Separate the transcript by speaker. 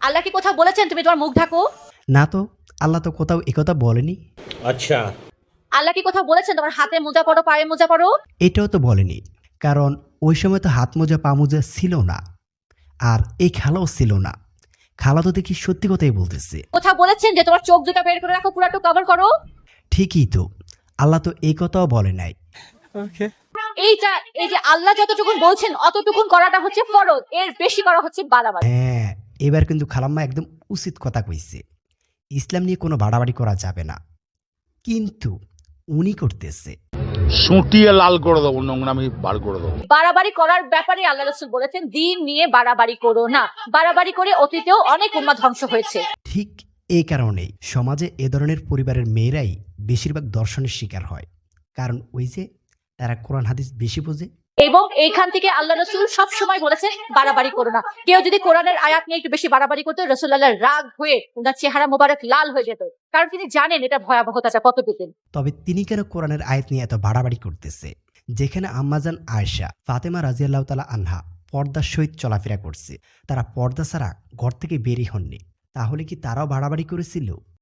Speaker 1: আল্লাহ কি কোথাও বলেছেন তুমি তোমার মুখ ঢাকো?
Speaker 2: না তো, আল্লাহ তো কোথাও একথা বলেনি।
Speaker 3: अच्छा।
Speaker 1: আল্লাহ কি কোথাও বলেছেন তোমার হাতে মোজা পরো, পায়ে মোজা পরো?
Speaker 2: এটাও তো বলেনি, কারণ ওই সময় তো হাত মোজা পা মোজা ছিল না, আর এই খালাও ছিল না। খালা তো দেখি সত্যি কথাই বলতেছে।
Speaker 1: কোথাও বলেছেন যে তোমার চোখ দুটো বের করে রাখো, পুরাটো কভার করো?
Speaker 2: ঠিকই তো, আল্লাহ তো এই কথাও বলে নাই।
Speaker 1: এইটা, এই যে আল্লাহ যতটুকুন বলছেন অতটুকুন করাটা হচ্ছে ফরজ, এর বেশি করা হচ্ছে বাড়াবাড়ি।
Speaker 2: হ্যাঁ, এবার কিন্তু খালাম্মা একদম উচিত কথা কইছে। ইসলাম নিয়ে কোনো বাড়াবাড়ি করা যাবে না, কিন্তু উনি করতেছে।
Speaker 4: সুটিয়ে লাল করে দেবো, নোংরামি বার করে দেবো।
Speaker 1: বাড়াবাড়ি করার ব্যাপারে আল্লাহ রাসূল বলেছেন দিন নিয়ে বাড়াবাড়ি করো না। বাড়াবাড়ি করে অতীতেও অনেক উম্মাহ ধ্বংস হয়েছে।
Speaker 2: ঠিক এই কারণেই সমাজে এ ধরনের পরিবারের মেয়েরাই বেশিরভাগ দর্শনের শিকার হয়, কারণ ওই যে তারা কোরআন হাদিস বেশি বোঝে।
Speaker 1: এবং এইখান থেকে আল্লাহ রাসূল সবসময় বলেছেন বাড়াবাড়ি করো না। কেউ যদি কোরআনের আয়াত নিয়ে একটু বেশি বাড়াবাড়ি করতো, রাসূলুল্লাহ রাগ হয়ে ওনার চেহারা মোবারক লাল হয়ে যেত, কারণ তিনি জানেন এটা ভয়াবহতাটা কতটুকু।
Speaker 2: তবে তিনি কেন কোরআনের আয়াত নিয়ে এত বাড়াবাড়ি করতেছে? যেখানে আম্মাজান আয়েশা ফাতেমা রাদিয়াল্লাহু তাআলা আনহা পর্দার সহিত চলাফেরা করছে, তারা পর্দা ছাড়া ঘর থেকে বেরই হননি, তাহলে কি তারাও বাড়াবাড়ি করেছিল?